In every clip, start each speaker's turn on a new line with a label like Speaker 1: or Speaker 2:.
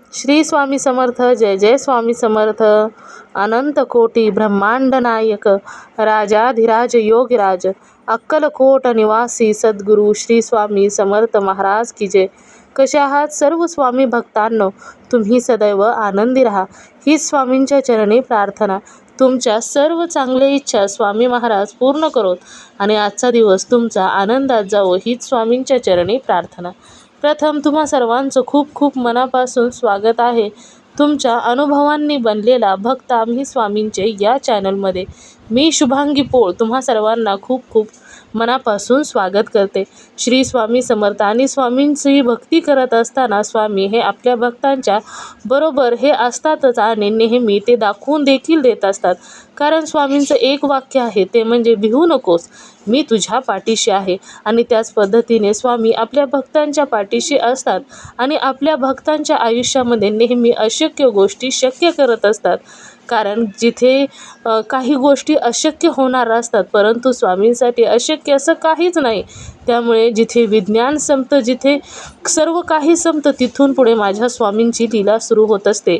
Speaker 1: श्री स्वामी समर्थ. जय जय स्वामी समर्थ. अनंत कोटी ब्रह्मांड नायक राजाधिराज योगीराज अक्कलकोट निवासी सद्गुरू श्री स्वामी समर्थ महाराज की जय. कशा आहात सर्व स्वामी भक्तांनो? तुम्ही सदैव आनंदी राहा हीच स्वामींच्या चरणी प्रार्थना. तुमच्या सर्व चांगल्या इच्छा स्वामी महाराज पूर्ण करोत आणि आजचा दिवस तुमचा आनंदात जावो हीच स्वामींच्या चरणी प्रार्थना. प्रथम तुम्हा सर्वांचं खूप खूप मनापासून स्वागत आहे. तुमच्या अनुभवांनी बनलेला भक्त आम्ही स्वामींचे या चॅनलमध्ये. मी शुभांगी पोळ तुम्हा सर्वांना खूप खूप मनापासून स्वागत करते. श्री स्वामी समर्थ आणि स्वामींची भक्ती करत असताना स्वामी हे आपल्या भक्तांच्या बरोबर हे असतातच आणि नेहमी ते दाखवून देखील देत असतात. कारण स्वामींचं एक वाक्य आहे ते म्हणजे भिवू नकोस, मी तुझ्या पाठीशी आहे. आणि त्याच पद्धतीने स्वामी आपल्या भक्तांच्या पाठीशी असतात आणि आपल्या भक्तांच्या आयुष्यामध्ये नेहमी अशक्य गोष्टी शक्य करत असतात. कारण जिथे काही गोष्टी अशक्य होणार असतात परंतु स्वामींसाठी अशक्य असं काहीच नाही. त्यामुळे जिथे विज्ञान संपतं, जिथे सर्व काही संपतं, तिथून पुढे माझ्या स्वामींची लीला सुरू होत असते.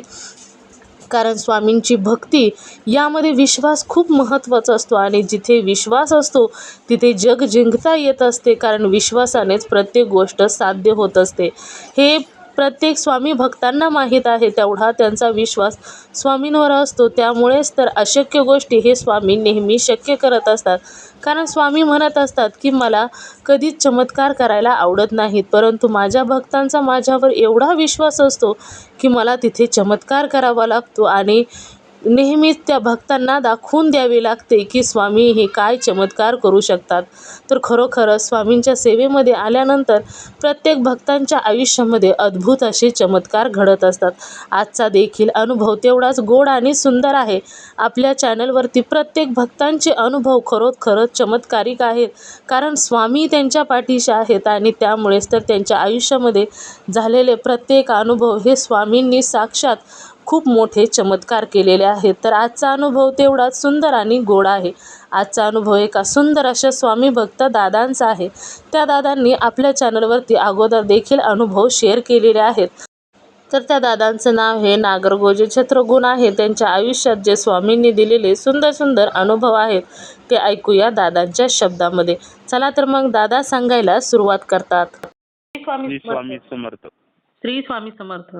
Speaker 1: कारण स्वामींची भक्ती यामध्ये विश्वास खूप महत्त्वाचा असतो आणि जिथे विश्वास असतो तिथे जग जिंकता येत असते. कारण विश्वासानेच प्रत्येक गोष्ट साध्य होत असते. हे प्रत्येक स्वामी भक्तांना माहीत आहे. तेवढा त्यांचा विश्वास स्वामींवर असतो. त्यामुळेच तर अशक्य गोष्टी हे स्वामी नेहमी शक्य करत असतात. कारण स्वामी म्हणत असतात की मला कधीच चमत्कार करायला आवडत नाहीत, परंतु माझ्या भक्तांचा माझ्यावर एवढा विश्वास असतो की मला तिथे चमत्कार करावा लागतो आणि नेहमीच त्या भक्तांना दाखवून द्यावे लागते की स्वामी हे काय चमत्कार करू शकतात. तर खरोखरच स्वामींच्या सेवेमध्ये आल्यानंतर प्रत्येक भक्तांच्या आयुष्यामध्ये अद्भुत असे चमत्कार घडत असतात. आजचा देखील अनुभव तेवढाच गोड आणि सुंदर आहे. आपल्या चॅनलवरती प्रत्येक भक्तांचे अनुभव खरोखरच चमत्कारिक आहेत. कारण स्वामी त्यांच्या पाठीशी आहेत आणि त्यामुळेच तर त्यांच्या आयुष्यामध्ये झालेले प्रत्येक अनुभव हे स्वामींनी साक्षात खूप मोठे चमत्कार केलेले आहेत. तर आजचा अनुभव तेवढाच सुंदर आणि गोड आहे. आजचा अनुभव एका सुंदर अशा स्वामी भक्त दादांचा आहे. त्या दादांनी आपल्या चॅनलवरती अगोदर देखील अनुभव शेअर केलेले आहेत. तर त्या दादांचं नाव हे नागरगोजे छत्रगुण आहे. त्यांच्या आयुष्यात जे स्वामींनी दिलेले सुंदर सुंदर अनुभव आहेत ते ऐकूया दादांच्या शब्दामध्ये. चला तर मग दादा सांगायला सुरुवात करतात.
Speaker 2: श्री स्वामी समर्थ.
Speaker 1: श्री स्वामी समर्थ.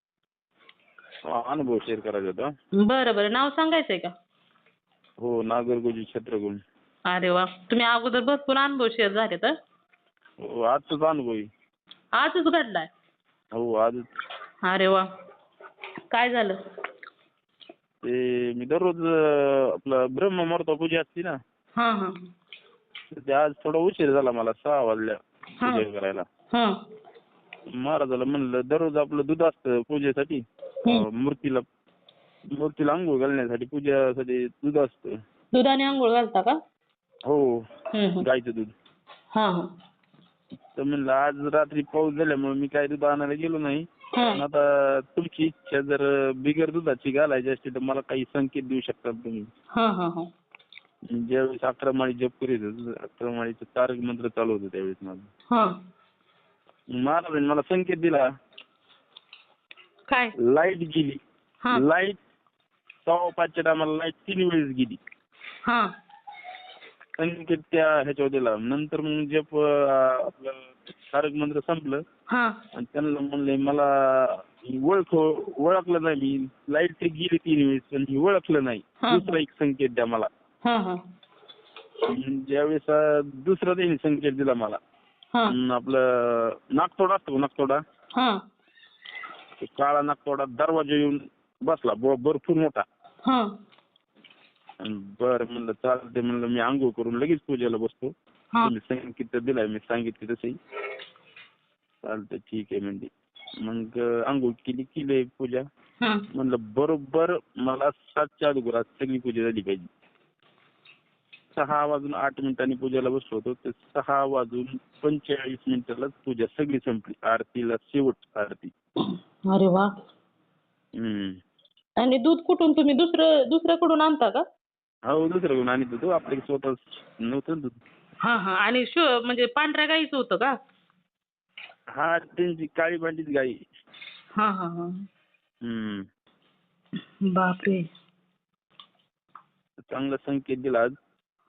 Speaker 2: अनुभव शेअर करायचा होता.
Speaker 1: बरं बरं, नाव सांगायचंय का?
Speaker 2: हो, नागरगोजी छत्रगुण.
Speaker 1: अरे वा, तुम्ही अगोदर भरपूर अनुभव शेअर झाले तर?
Speaker 2: हो, आजचाच अनुभव आहे.
Speaker 1: आजच घडलाय?
Speaker 2: हो, आजच.
Speaker 1: अरे वा, काय झालं?
Speaker 2: ते मी दररोज आपलं ब्रह्ममुहूर्त पूजा असते ना,
Speaker 1: हा हा
Speaker 2: ते आज थोडा उशीर झाला मला 6 वाजल्या पूजा करायला.
Speaker 1: हा
Speaker 2: महाराजाला म्हणलं दररोज आपलं दूध असतं पूजेसाठी, मूर्तीला अंघोळ घालण्यासाठी पूजासाठी दूध असतं.
Speaker 1: दुधाने आंघोळ घालता का?
Speaker 2: हो, गाईचं दूध.
Speaker 1: हा हा
Speaker 2: तर म्हणलं आज रात्री पाऊस झाल्यामुळे मी काय दूध आणायला गेलो नाही. पण आता तुमची इच्छा जर बिगर दुधाची घालायची असते तर मला काही संकेत देऊ शकता तुम्ही.
Speaker 1: हा हा हा
Speaker 2: ज्यावेळेस 11 माळी जप करीत होतो, 11 माळीचं तारक मंत्र चालू होतं त्यावेळेस माझं. महाराजांनी मला संकेत दिला.
Speaker 1: काय?
Speaker 2: लाईट गेली. लाईट 5:15च्या टायमाला लाईट 3 वेळेस गेली. संकेत त्या ह्याच्यावर दिला. नंतर मग जप आपलं तारक मंत्र संपलं आणि त्यांना म्हणले मला ओळखलं नाही मी. लाईट ते गेली 3 वेळेस पण ही ओळखलं नाही. दुसरा एक संकेत द्या मला. ज्यावेळेस दुसरा त्यांनी संकेत दिला मला, आपलं नागतोडा असतो, नागतोडा काळा नागतोडा दरवाजा येऊन बसला भरपूर मोठा. बरं म्हणलं चालते, म्हणलं मी आंघोळ करून लगेच पूजेला बसतो. तुम्ही संकेत दिलाय मी सांगितलं तसंही चालतं, ठीक आहे म्हणजे. मग आंघोळ केली पूजा. म्हणलं बरोबर मला 7च्या अगोदर सगळी पूजा झाली पाहिजे. 6:08 पूजेला बसलो होतो तर 6:45 पूजा सगळी संपली. आरतीला शेवट आरती.
Speaker 1: अरे वा. आणि दूध कुठून तुम्ही दुसऱ्याकडून आणता का?
Speaker 2: हो, दुसऱ्याकडून आणत होतो, आपल्या स्वतः नव्हतं दूध.
Speaker 1: आणि म्हणजे पांढऱ्या गाईचं होतं का?
Speaker 2: हा, त्यांची काळी भांडीच गाई.
Speaker 1: बापरे.
Speaker 2: चांगला संकेत दिला आज.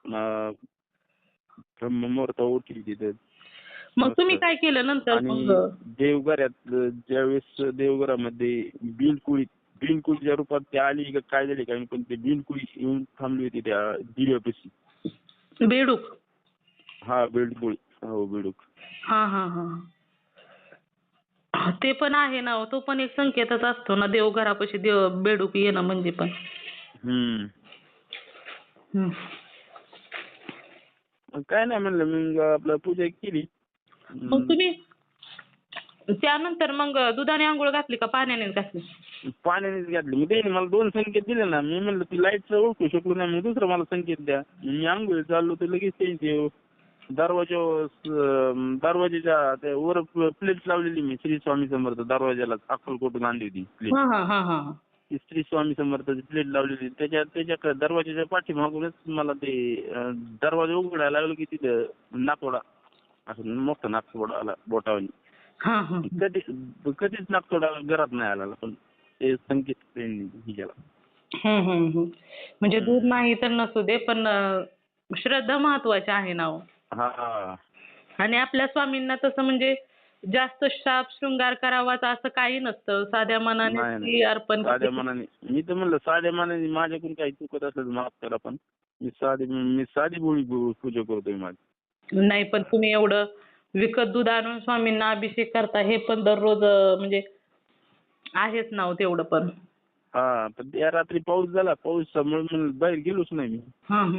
Speaker 2: ब्रह्ममुहूर्त उठली तिथे.
Speaker 1: मग तुम्ही काय केलं नंतर?
Speaker 2: आणि
Speaker 1: मग
Speaker 2: देवघरात ज्यावेळेस देवघरामध्ये बिनकुळीच्या रूपात ती आली का काय झाली काय, पण ते बिनकुळी येऊन थांबली होती त्या दिव्यापाशी.
Speaker 1: बेडूक.
Speaker 2: हा बिनकुळी. हो बेडूक.
Speaker 1: हा हा हा. ते पण आहे ना, तो पण एक संकेतच असतो ना, देवघरापाशी बेडूक येणं म्हणजे पण.
Speaker 2: हम्म.
Speaker 1: हम्म.
Speaker 2: मग काय नाही म्हणलं, मग आपलं पूजा केली.
Speaker 1: मग तुम्ही त्यानंतर मग दुधाने आंघोळ घातली का पाण्याने घातली?
Speaker 2: पाण्यानेच घातली. मग त्याने मला 2 संकेत दिले ना. मी म्हणलं ती लाईटचं ओळखू शकलो नाही, मग दुसरा मला संकेत द्या. मी आंघोळ चाललो तर लगेच त्यांचे दरवाजाच्या त्या वर प्लेट लावलेली मी श्री स्वामी समर्थ दरवाजाला अक्कलकोटून आणली होती प्लेट.
Speaker 1: हा हा हा हा.
Speaker 2: ती श्री स्वामी समर्थाची प्लेट लावलेली. त्याच्या दरवाजाच्या पाठीमागूनच मला ते दरवाजा उघडायला लागलो की तिथं नाकवडा, असं मोठा नाकवडा आला बोटावानी.
Speaker 1: हा हा.
Speaker 2: कधीच नागतोडा घरात नाही आला, पण ते संकेत त्यांनी केला.
Speaker 1: म्हणजे दूध नाही तर नसू दे, पण श्रद्धा महत्वाची आहे ना हो.
Speaker 2: हा.
Speaker 1: आणि आपल्या स्वामींना तसं म्हणजे जास्त शाप शृंगार करावाच असं काही नसतं. साध्या मनाने ती अर्पण
Speaker 2: साध्या मनाने. मी तर म्हणलं साध्या मनाने माझ्याकडून काही चुकत असेल तर माफ करा, पण मी साधी भोळी पूजा करतोय माझी.
Speaker 1: नाही, पण तुम्ही एवढं विकत दूध आणून स्वामींना अभिषेक करता, हे पण दररोज म्हणजे आहेच ना हो तेवढं पण.
Speaker 2: हा, पण त्या रात्री पाऊस झाला. पाऊसामुळे म्हणलं बाहेर गेलोच नाही मी.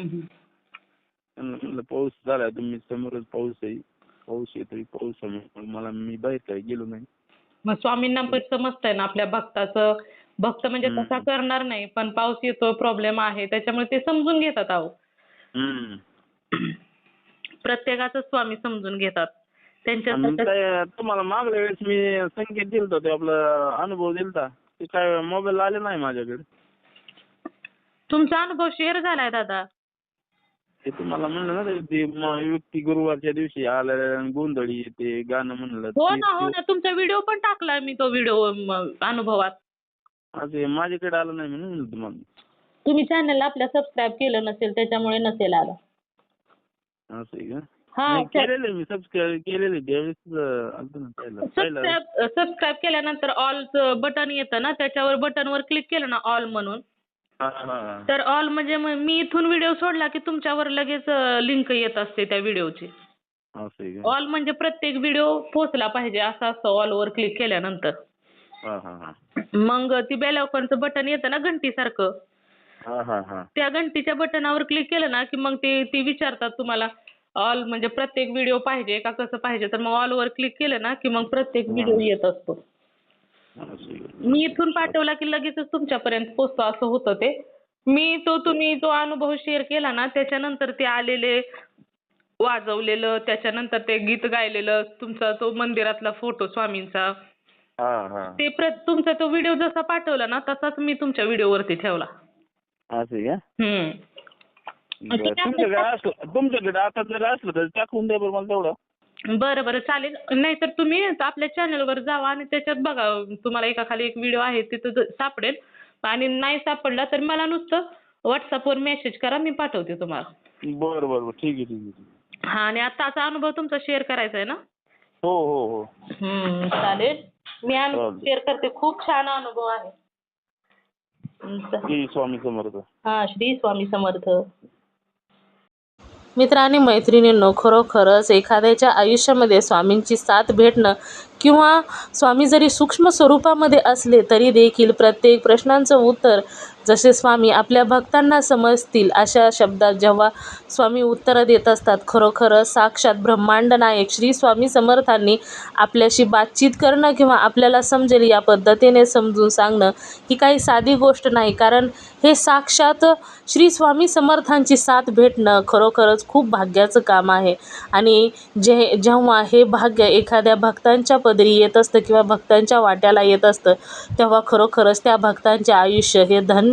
Speaker 2: म्हणलं पाऊस झाला, तुम्ही समोरच पाऊस आहे, पाऊस येतोय, पाऊसामुळे मी बाहेर काही गेलो नाही.
Speaker 1: मग स्वामींना पण समजतंय ना आपल्या भक्ताचं. भक्त म्हणजे तसा करणार नाही, पण पाऊस येतो, प्रॉब्लेम आहे, त्याच्यामुळे ते समजून घेतात अहो. प्रत्येकाचं स्वामी समजून घेतात.
Speaker 2: तुम्हाला मागल्या वेळेस मी संकेत दिलता, ते आपला अनुभव दिलता, ते काय मोबाईल आले नाही माझ्याकडे.
Speaker 1: तुमचा अनुभव शेअर झालाय दादा.
Speaker 2: ते तुम्हाला म्हणलं ना, ते व्यक्ती गुरुवारच्या दिवशी आलं गोंधळी ते गाणं म्हणलं.
Speaker 1: हो ना, तुमचा व्हिडिओ पण टाकलाय मी, तो व्हिडिओ अनुभवात.
Speaker 2: असे माझ्याकडे आलं नाही म्हणून तुम्हाला.
Speaker 1: तुम्ही चॅनलला आपल्या सबस्क्राईब केलं नसेल, त्याच्यामुळे नसेल आला.
Speaker 2: असं आहे का? केलेलं मी सबस्क्राईब केलेलं त्यावेळेस.
Speaker 1: सबस्क्राईब केल्यानंतर ऑलचं बटन येतं ना, त्याच्यावर बटनवर क्लिक केलं ना ऑल म्हणून, तर ऑल म्हणजे मी इथून व्हिडिओ सोडला की तुमच्यावर लगेच लिंक येत असते त्या व्हिडिओची. ऑल म्हणजे प्रत्येक व्हिडिओ पोहोचला पाहिजे असं असतं ऑलवर क्लिक केल्यानंतर. मग ती बेल आयकॉनचं बटन येतं ना घंटीसारखं, त्या घंटीच्या बटनावर क्लिक केलं ना की मग ती विचारतात तुम्हाला ऑल म्हणजे प्रत्येक व्हिडिओ पाहिजे का कसं पाहिजे, तर मग ऑलवर क्लिक केलं ना की मग प्रत्येक व्हिडिओ येत असतो. मी इथून पाठवला की लगेचच तुमच्यापर्यंत पोहोचतो असं होतं ते. तुम्ही जो अनुभव शेअर केला ना, त्याच्यानंतर ते आलेले वाजवलेलं, त्याच्यानंतर ते गीत गायलेलं, तुमचा तो मंदिरातला फोटो स्वामींचा, ते तुमचा तो व्हिडिओ जसा पाठवला ना तसाच मी तुमच्या व्हिडिओवरती ठेवला.
Speaker 2: तुमच्याकडे आता जर असलं तर टाकून द्या बरं मला तेवढं.
Speaker 1: बरं चालेल. नाहीतर तुम्ही आपल्या चॅनलवर जावा आणि त्याच्यात बघा, तुम्हाला एकाखाली एक व्हिडिओ आहे तिथं सापडेल. आणि नाही सापडला तर मला नुसतं व्हॉट्सअपवर मेसेज करा, मी पाठवते तुम्हाला.
Speaker 2: बरं ठीक आहे.
Speaker 1: हा, आणि आताचा अनुभव तुमचा शेअर करायचा आहे ना?
Speaker 2: हो.
Speaker 1: चालेल, मी अनुभव शेअर करते. खूप छान अनुभव आहे.
Speaker 2: श्री स्वामी समर्थ.
Speaker 1: हा, श्री स्वामी समर्थ. मित्रांनी मैत्रिणींनो, खरोखरच एखाद्याच्या आयुष्यामध्ये स्वामींची साथ भेटणं किंवा स्वामी जरी सूक्ष्म स्वरूपामध्ये असले तरी देखील प्रत्येक प्रश्नांचं उत्तर जसे स्वामी आपल्या भक्तांना समजतील अशा शब्दात जेव्हा स्वामी उत्तरं देत असतात, खरोखरच साक्षात ब्रह्मांड नायक श्री स्वामी समर्थांनी आपल्याशी बातचीत करणं किंवा आपल्याला समजेल या पद्धतीने समजून सांगणं ही काही साधी गोष्ट नाही. कारण हे साक्षात श्री स्वामी समर्थांची साथ भेटणं खरोखरच खूप भाग्याचं काम आहे. आणि जेव्हा हे भाग्य एखाद्या भक्तांच्या पदरी येत असतं किंवा भक्तांच्या वाट्याला येत असतं, तेव्हा खरोखरच त्या भक्तांचे आयुष्य हे धन्य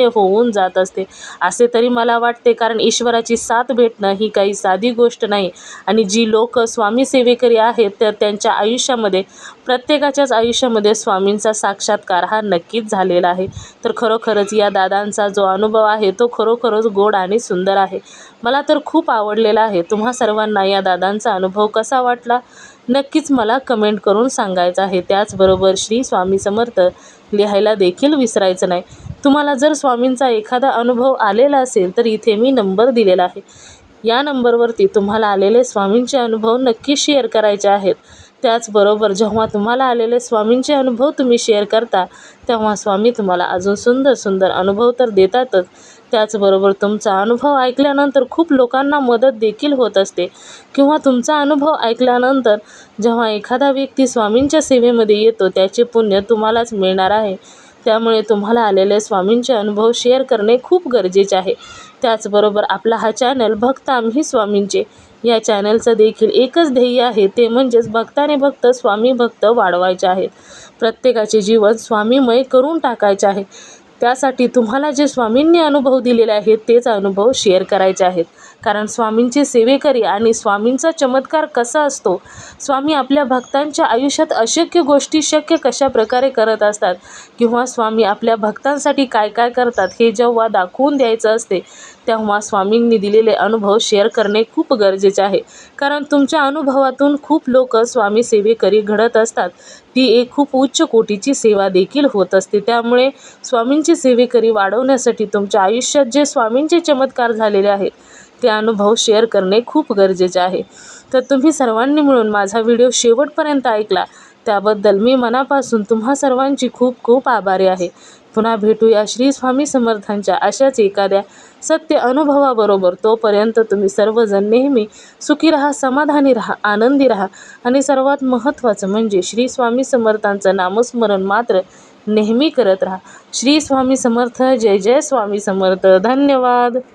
Speaker 1: धन्य होऊन जात असते असे तरी मला वाटते. कारण ईश्वराची साथ भेटणं ही काही साधी गोष्ट नाही आणि जी लोक स्वामी सेवेकरी आहेत तर त्यांच्या आयुष्यामध्ये, प्रत्येकाच्याच आयुष्यामध्ये स्वामींचा साक्षात्कार हा नक्कीच झालेला आहे. तर खरोखरच या दादांचा जो अनुभव आहे तो खरोखरच गोड आणि सुंदर आहे. मला तर खूप आवडलेला आहे. तुम्हा सर्वांना या दादांचा अनुभव कसा वाटला नक्कीच मला कमेंट करून सांगायचं आहे. त्याचबरोबर श्री स्वामी समर्थ लिहायला देखील विसरायचं नाही. तुम्हाला जर स्वामींचा एखादा अनुभव आलेला असेल तर इथे मी नंबर दिलेला आहे. या नंबरवरती तुम्हाला आलेले स्वामींचे अनुभव नक्की शेअर करायचे आहेत. त्याचबरोबर जेव्हा तुम्हाला आलेले स्वामींचे अनुभव तुम्ही शेअर करता तेव्हा स्वामी तुम्हाला अजून सुंदर सुंदर अनुभव तर देतातच. त्याचबरोबर तुमचा अनुभव ऐकल्यानंतर खूप लोकांना मदत देखील होत असते किंवा तुमचा अनुभव ऐकल्यानंतर जेव्हा एखादा व्यक्ती स्वामींच्या सेवेमध्ये येतो त्याचे पुण्य तुम्हालाच मिळणार आहे. त्यामुळे तुम्हाला आलेले स्वामींचे अनुभव शेअर करणे खूप गरजेचे आहे. त्याचबरोबर आपला हा चॅनल भक्त आम्ही स्वामींचे या चॅनलचं देखील एकच ध्येय आहे, ते म्हणजेच भक्ताने भक्त स्वामी भक्त वाढवायचे आहेत. प्रत्येकाचे जीवन स्वामीमय करून टाकायचे आहे. त्यासाठी तुम्हाला जे स्वामींनी अनुभव दिलेले आहेत तेच अनुभव शेअर करायचे आहेत. कारण स्वामींचे सेवेकरी आणि स्वामींचा चमत्कार कसा असतो, स्वामी आपल्या भक्तांच्या आयुष्यात अशक्य गोष्टी शक्य कशा प्रकारे करत असतात किंवा स्वामी आपल्या भक्तांसाठी काय काय करतात हे जेव्हा दाखवून द्यायचं असते तेव्हा स्वामींनी दिलेले अनुभव शेअर करणे खूप गरजेचे आहे. कारण तुमच्या अनुभवातून खूप लोक स्वामी सेवेकरी घडत असतात. ती एक खूप उच्च कोटीची सेवा देखील होत असते. त्यामुळे स्वामींची सेवेकरी वाढवण्यासाठी तुमच्या आयुष्यात जे स्वामींचे चमत्कार झालेले आहेत ते अनुभव शेअर करणे खूप गरजेचे आहे. तर तुम्ही सर्वांनी मिळून माझा व्हिडिओ शेवटपर्यंत ऐकला त्याबद्दल मी मनापासून तुम्हा सर्वांची खूप खूप आभारी आहे. पुन्हा भेटूया श्री स्वामी समर्थांच्या अशाच एखाद्या सत्य अनुभवाबरोबर. तोपर्यंत तुम्ही सर्वजण नेहमी सुखी राहा, समाधानी राहा, आनंदी राहा आणि सर्वात महत्त्वाचं म्हणजे श्री स्वामी समर्थांचं नामस्मरण मात्र नेहमी करत राहा. श्री स्वामी समर्थ. जय जय स्वामी समर्थ. धन्यवाद.